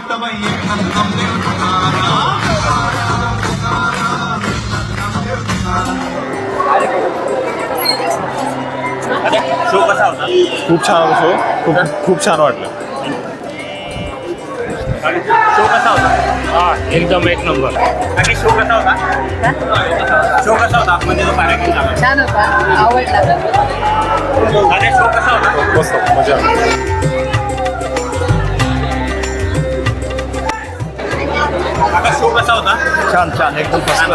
Show कसा होता? खूप छान शो, खूप छान वाटलं. शो कसा होता? एकदम एक नंबर. आणि शो कसा होता? शो कसा होता? म्हणजे जो कार्यक्रम झाला छान होता, आवडला. आणि शो कसा होता? मस्त मजा आली. आता शो कसा होता? छान छान एकदम मस्त.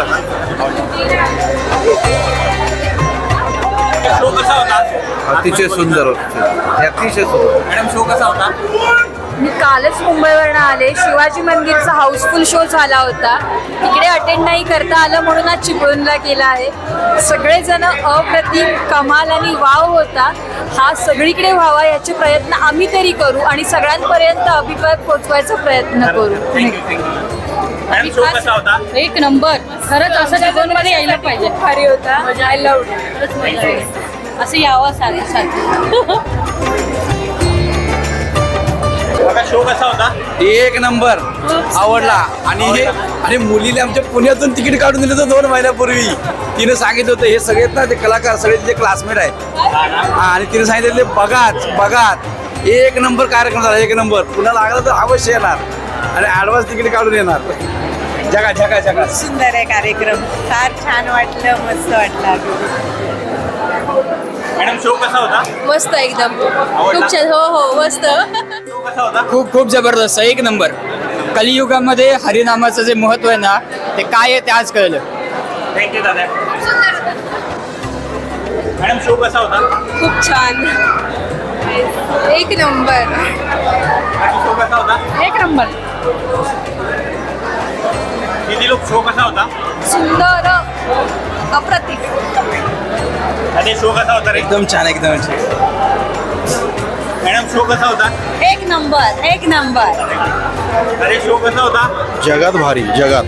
शो कसा होता? अतिशय सुंदर होते, अतिशय सुंदर. मॅडम शो कसा होता? मी कालच मुंबईवरनं आले. शिवाजी मंदिरचा हाऊसफुल शो झाला होता. तिकडे अटेंड नाही करता आलं म्हणून आज चिपळूणला केला आहे. सगळेजण अप्रतिम, कमाल आणि वाव होता. हा सगळीकडे व्हावा याचे प्रयत्न आम्ही तरी करू आणि सगळ्यांपर्यंत अभिप्राय पोहोचवायचा प्रयत्न करू. मॅडम शो कसा होता? एक नंबर. खरंच असं जगनमध्ये यायला पाहिजे. भारी होता. आय लव्ह असं यावं सारखं. आता शो कसा होता? एक नंबर आवडला. आणि मुलीला आमच्या पुण्यातून तिकीट काढून दिलं होतं 2 महिन्यापूर्वी. तिने सांगितलं होतं हे सगळे ना ते कलाकार सगळे तिचे क्लासमेट आहेत. आणि तिने सांगितलं बघात एक नंबर कार्यक्रम झाला, एक नंबर. पुन्हा लागला तर अवश्य येणार आणि ॲडव्हान्स तिकीट काढून येणार. जगा सुंदर आहे कार्यक्रम. फार छान वाटलं, मस्त वाटलं. मॅडम शो कसा होता? मस्त एकदम. खूप छान. हो मस्त. शो कसा होता? खूप जबरदस्त, एक नंबर. कलियुगामध्ये हरिनामाचं जे महत्व आहे ना, ते काय आहे ते आज कळलं. थँक्यू दादा. मॅडम शो कसा होता? खूप छान. एक नंबर. शो कसा होता? एक नंबर. किती लोक शो कसा होता? सुंदर, अप्रतिम. आणि शो कसा होता रे? एकदम छान, एकदम छान. मॅडम शो कसा होता? एक नंबर. एक नंबर. अरे शो कसा होता? जगात भारी, जगात.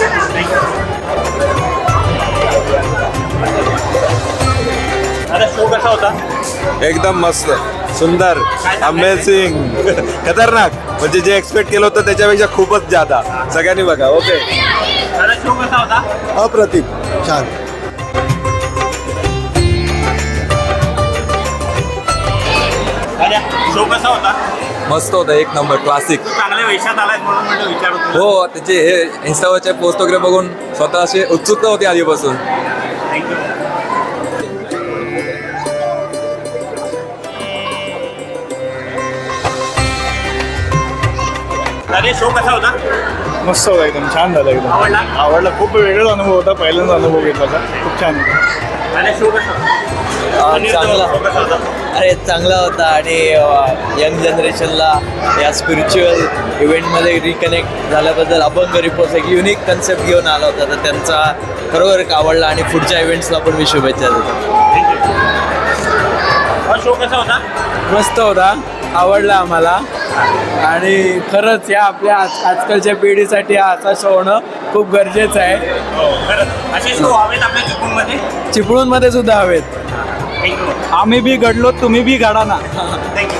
आता शो कसा होता? एकदम मस्त, सुंदर, अमेझिंग, खतरनाक. म्हणजे जे एक्सपेक्ट केलं होतं त्याच्यापेक्षा खूपच जादा. सगळ्यांनी बघा. ओके. आता शो कसा होता? अप्रतिम, छान. अरे शो कसा होता? मस्त होता, एक नंबर, क्लासिक. चांगल्या वेशात आलाय म्हणून म्हटलं विचारू तुला. हो, त्याचे हे इन्स्टावरचे पोस्ट वगैरे बघून स्वतः अशी उत्सुकता होती आधीपासून. थँक्यू. अरे शो कसा होता? मस्त होता, एकदम छान झालं. एकदम आवडला? आवडला. खूप वेगळाच अनुभव होता. पहिल्यांदा अनुभव घेतला होता. खूप छान होता. अरे शो कसा होता? चांगला. शो कसा होता? अरे चांगला होता. आणि यंग जनरेशनला या स्पिरिच्युअल इव्हेंटमध्ये रिकनेक्ट झाल्याबद्दल अभंग रिपोर्ट एक युनिक कन्सेप्ट घेऊन आला होता. तर त्यांचा खरोखर आवडला आणि पुढच्या इव्हेंट्सला पण मी शुभेच्छा देतो. शो कसा होता? मस्त होता, आवडला आम्हाला. आणि खरंच या आपल्या आजकालच्या पिढीसाठी हा असा शो होणं खूप गरजेचं आहे. हो खरंच असे शो हवेत आपल्या चिपळूणमध्ये. चिपळूणमध्ये सुद्धा हवेत. थँक्यू. आम्ही बी घडलो, तुम्ही बी घडा ना. थँक्यू.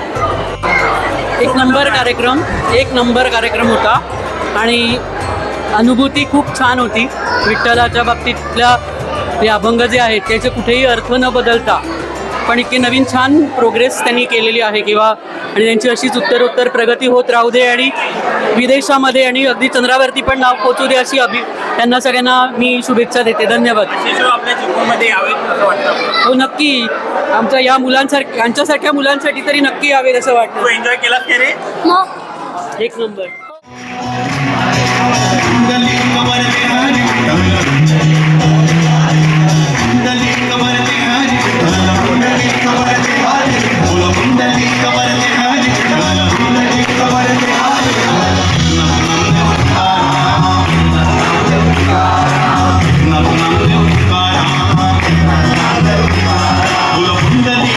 एक नंबर कार्यक्रम होता आणि अनुभूती खूप छान होती. विठ्ठलाच्या बाबतीतल्या ते अभंग जे आहेत त्याचे कुठेही अर्थ न बदलता पण इतकी नवीन छान प्रोग्रेस त्यांनी केलेली आहे किंवा आणि त्यांची अशीच उत्तरोत्तर प्रगती होत राहू दे आणि विदेशामध्ये आणि अगदी चंद्रावरती पण नाव पोचू दे अशी त्यांना सगळ्यांना मी शुभेच्छा देते. धन्यवाद. असे शो आपल्या चिपळूणमध्ये यावेत असं वाटतं. हो नक्की. आमच्या या मुलांसारख्या यांच्यासारख्या मुलांसाठी तरी नक्की यावेत असं तू वाटतं. एन्जॉय केलास की रे? एक नंबर.